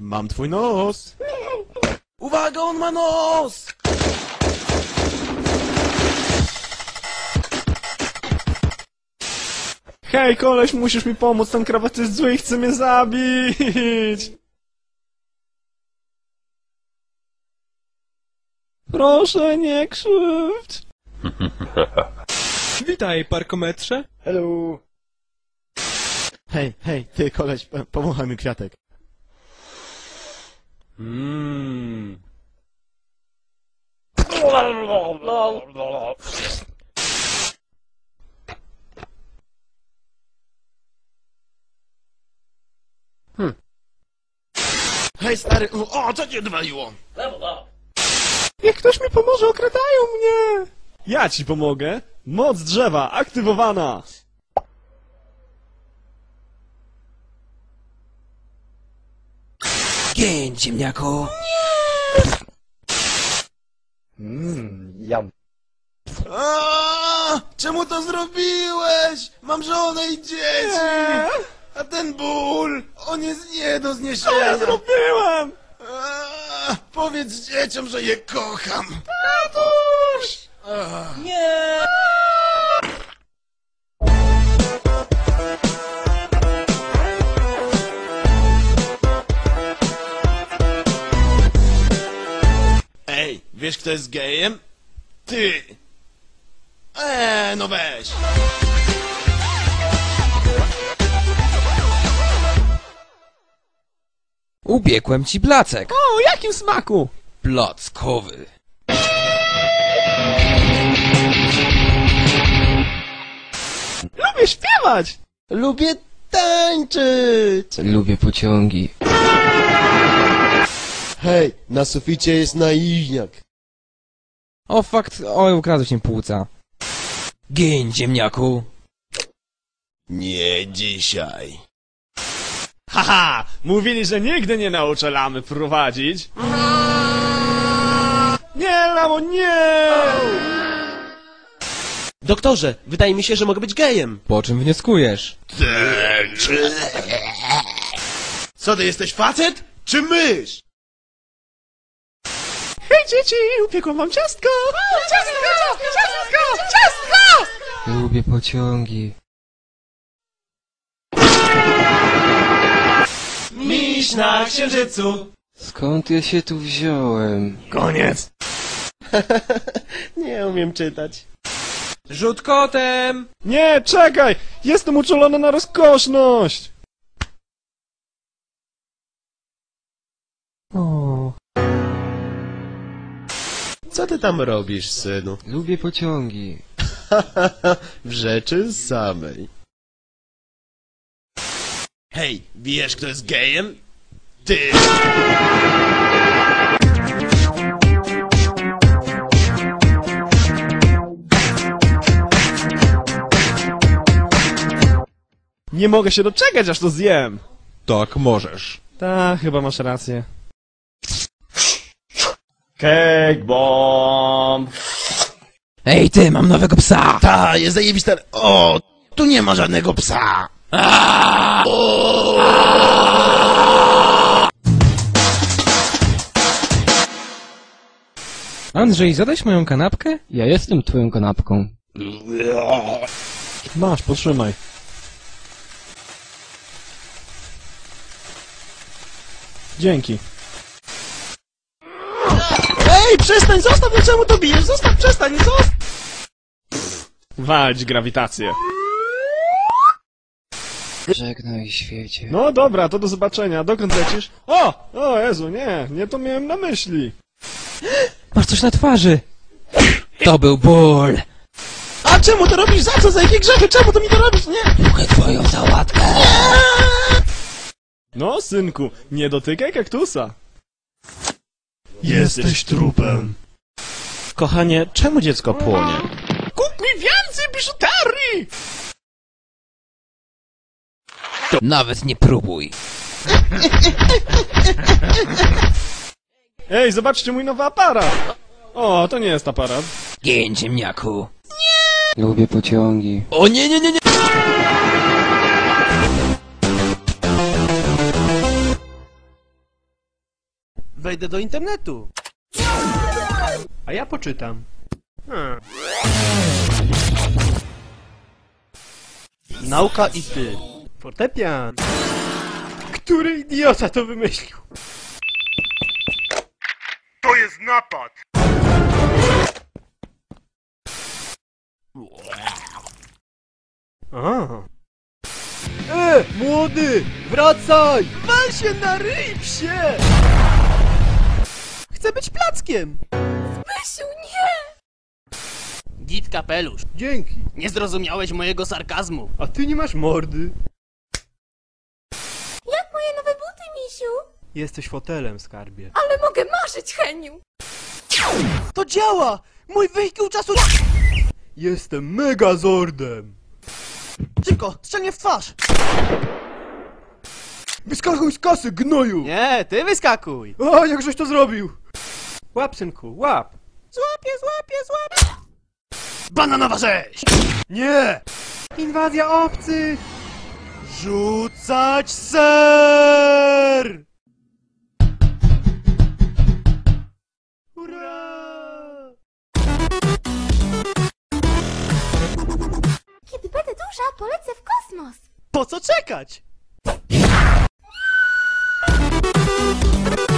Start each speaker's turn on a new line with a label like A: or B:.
A: Mam twój nos! Uwaga, on ma nos! Hej, koleś, musisz mi pomóc, ten krawat jest zły i chce mnie zabić! Proszę, nie krzywdź!
B: Witaj, parkometrze.
A: Hello! Hej, ty koleś, pomachaj mi kwiatek. Hej stary, o, co cię odwaliło? Niech ktoś mi pomoże, okradają mnie! Ja ci pomogę! Moc drzewa aktywowana!
B: Gień, ziemniaku.
C: Jam.
A: Czemu to zrobiłeś? Mam żonę i dzieci! A ten ból, on jest nie do zniesienia! Co ja zrobiłem? Powiedz dzieciom, że je kocham! Tatuś!
B: Nie!
A: Ej, wiesz kto jest gejem? Ty! No weź!
B: Upiekłem ci placek.
A: O, jakim smaku?
B: Plackowy.
A: Lubię śpiewać!
C: Lubię tańczyć!
B: Lubię pociągi.
C: Hej, na suficie jest naiwniak.
B: O fakt, oj, ukradłeś mi płuca. Gień, ziemniaku.
A: Nie dzisiaj. Haha! Mówili, że nigdy nie nauczę lamy prowadzić. Nie, lamo, nie!
C: Doktorze, wydaje mi się, że mogę być gejem.
B: Po czym wnioskujesz?
A: Co ty jesteś, facet? Czy mysz? Hej dzieci, upiekłam wam ciastko! Ciastko!
B: Lubię pociągi.
A: Miś na księżycu!
B: Skąd ja się tu wziąłem?
A: Koniec!
C: Nie umiem czytać.
B: Rzut kotem!
A: Nie, czekaj! Jestem uczulony na rozkoszność!
B: O,
C: Co ty tam robisz, synu?
B: lubię pociągi.
C: W rzeczy samej.
A: Hej, wiesz kto jest gejem? Ty! Nie mogę się doczekać, aż to zjem!
D: Tak, możesz.
A: Tak, chyba masz rację. Cake bomb!
B: Ej ty, mam nowego psa!
A: Ta, jest zajebista... O, tu nie ma żadnego psa!
B: Andrzej, zadać moją kanapkę? Ja jestem twoją kanapką.
A: Masz, potrzymaj. Dzięki. Ej, przestań, zostaw, no czemu to bijesz? Zostaw, przestań, zostaw! Walcz grawitację.
B: Żegnaj świecie.
A: No dobra, to do zobaczenia. Dokąd lecisz? O Jezu, nie to miałem na myśli.
B: Masz coś na twarzy! To był ból!
A: A czemu to robisz? Za co? Za jakie grzechy? Czemu to mi to robisz? Nie!
B: Mogę twoją sałatkę!
A: No, synku, nie dotykaj kaktusa. Jesteś trupem. Kochanie, czemu dziecko płonie? Kup mi więcej biżuterii!
B: Nawet nie próbuj.
A: Ej, zobaczcie mój nowy aparat! O, to nie jest aparat.
B: Gień, ziemniaku. Nie! Lubię pociągi.
A: O nie!
D: Wejdę do internetu. A ja poczytam. Nauka i ty. Fortepian. Który idiota to wymyślił?
A: To jest napad!
D: A. Młody! Wracaj! Wal się na ryj, psie! Chcę być plackiem!
E: Zbysiu, nie!
D: Git kapelusz. Dzięki. Nie zrozumiałeś mojego sarkazmu. A ty nie masz mordy.
E: Jak moje nowe buty, misiu?
D: Jesteś fotelem, skarbie.
E: Ale mogę marzyć, Heniu!
D: To działa! Mój wehikuł czasu... Jestem Megazordem! Szybko, strzel mnie w twarz! Wyskakuj z kasy, gnoju! Nie, ty wyskakuj! O, jakżeś to zrobił! Łap, synku, łap! Złapię! Bananowa rzeź! Nie! Inwazja obcych! Rzucać ser! Hurra!
E: Kiedy będę duża, polecę w kosmos!
D: Po co czekać?